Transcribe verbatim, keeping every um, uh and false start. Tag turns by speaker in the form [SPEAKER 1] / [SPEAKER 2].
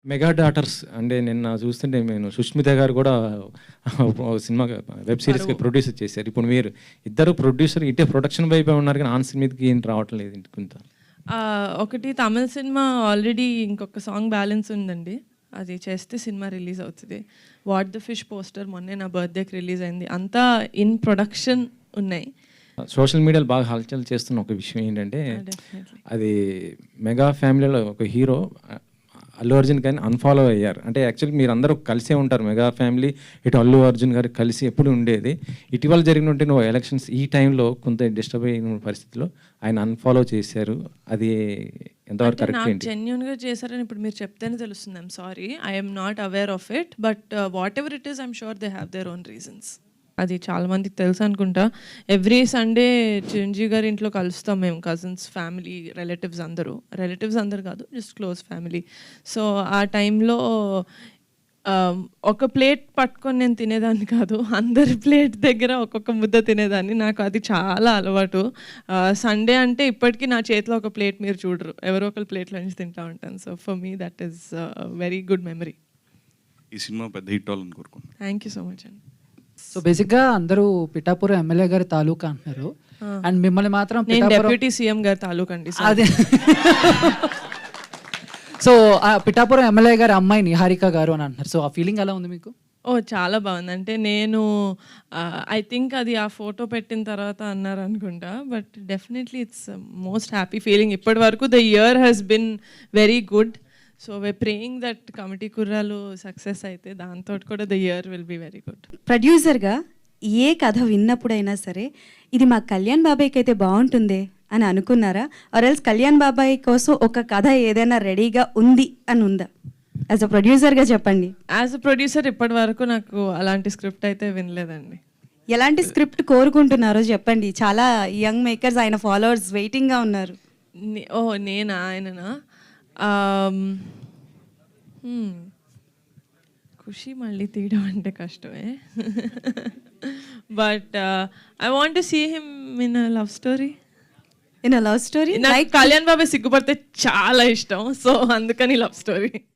[SPEAKER 1] Mega daughters అంటే నిన్న చూస్తుంటే నేను సుష్మిత గారు కూడా సినిమా వెబ్ సిరీస్కి ప్రొడ్యూసర్ చేశారు. ఇప్పుడు మీరు ఇద్దరు ప్రొడ్యూసర్ ఇటే ప్రొడక్షన్ వైపే ఉన్నారు కానీ ఆన్ మీదకి ఏం రావటం లేదు ఇంత.
[SPEAKER 2] ఒకటి తమిళ సినిమా ఆల్రెడీ ఇంకొక సాంగ్ బ్యాలెన్స్ ఉందండి, అది చేస్తే సినిమా రిలీజ్ అవుతుంది. వాట్ ద ఫిష్ పోస్టర్ మొన్నే నా బర్త్డేకి రిలీజ్ అయింది. అంతా ఇన్ ప్రొడక్షన్ ఉన్నాయి.
[SPEAKER 1] సోషల్ మీడియాలో బాగా హల్చల్ చేస్తున్న ఒక విషయం ఏంటంటే అది మెగా ఫ్యామిలీలో ఒక హీరో అల్లు అర్జున్ కానీ అన్ఫాలో అయ్యారు. అంటే యాక్చువల్లీ మీరు అందరూ కలిసే ఉంటారు, మెగా ఫ్యామిలీ ఇటు అల్లు అర్జున్ గారు కలిసి ఎప్పుడు ఉండేది. ఇటీవల జరిగినట్టు నువ్వు ఎలక్షన్స్ ఈ టైంలో కొంత డిస్టర్బ్ అయిన పరిస్థితిలో ఆయన అన్ఫాలో చేశారు. అది ఎంతవరకు కరెక్ట్ ఏంటి?
[SPEAKER 2] జెన్యూన్గా చేశారని ఇప్పుడు మీరు చెప్తేనే తెలుస్తుంది. I'm sorry, I'm not aware of it, but whatever it is I'm sure they have their own reasons. అది చాలా మందికి తెలుసు అనుకుంటా. ఎవ్రీ సండే చిరంజీవి గారి ఇంట్లో కలుస్తాం మేము, కజిన్స్, ఫ్యామిలీ, రిలేటివ్స్ అందరూ. రిలేటివ్స్ అందరు కాదు, జస్ట్ క్లోజ్ ఫ్యామిలీ. సో ఆ టైంలో ఒక ప్లేట్ పట్టుకొని నేను తినేదాన్ని కాదు, అందరి ప్లేట్ దగ్గర ఒక్కొక్క ముద్ద తినేదాన్ని. నాకు అది చాలా అలవాటు. సండే అంటే ఇప్పటికీ నా చేతిలో ఒక ప్లేట్ మీరు చూడరు, ఎవరో ఒకరి ప్లేట్లో నుంచి తింటూ ఉంటాను. So for me that is very good memory.
[SPEAKER 3] ఈ సినిమా పెద్ద హిట్ అవ్వాలని కోరుకుంటున్నాను.
[SPEAKER 2] థ్యాంక్ యూ సో మచ్ అండి.
[SPEAKER 4] సో బేసిక్గా అందరూ పిఠాపురం ఎమ్మెల్యే గారి తాలూకా అంటున్నారు, అండ్ మిమ్మల్ని మాత్రం
[SPEAKER 2] డిప్యూటీ సీఎం గారి తాలూకా అండి.
[SPEAKER 4] అదే సో పిఠాపురం ఎమ్మెల్యే గారి అమ్మాయి నిహారిక గారు అని అంటున్నారు. సో ఆ ఫీలింగ్ ఎలా ఉంది మీకు?
[SPEAKER 2] ఓ చాలా బాగుంది. అంటే నేను ఐ థింక్ అది ఆ ఫోటో పెట్టిన తర్వాత అన్నారు అనుకుంటా, but definitely it's most happy feeling. ఇప్పటి వరకు the year has been very good. So we praying that committee కుర్రాలు సక్సెస్ అయితే దాంతో కూడా the year will be very good.
[SPEAKER 5] ప్రొడ్యూసర్గా ఏ కథ విన్నప్పుడైనా సరే ఇది మా కళ్యాణ్ బాబాయ్కి అయితే బాగుంటుందే అని అనుకున్నారా? ఆర్ ఎల్స్ కళ్యాణ్ బాబాయ్ కోసం ఒక కథ ఏదైనా రెడీగా ఉంది అని ఉందా? యాజ్ అ ప్రొడ్యూసర్గా చెప్పండి.
[SPEAKER 2] యాజ్ అ ప్రొడ్యూసర్ ఇప్పటి వరకు నాకు అలాంటి స్క్రిప్ట్ అయితే వినలేదండి.
[SPEAKER 5] ఎలాంటి స్క్రిప్ట్ కోరుకుంటున్నారో చెప్పండి. చాలా యంగ్ మేకర్స్, ఆయన ఫాలోవర్స్ వెయిటింగ్గా ఉన్నారు.
[SPEAKER 2] ఓ నేనా? ఆయననా? ఖుషి మళ్ళీ తీయడం అంటే కష్టమే, but I want to see him in a love story.
[SPEAKER 5] In a love story?
[SPEAKER 2] నాకు కళ్యాణ్ బాబాయ్ సిగ్గుపడితే చాలా ఇష్టం, సో అందుకని లవ్ స్టోరీ.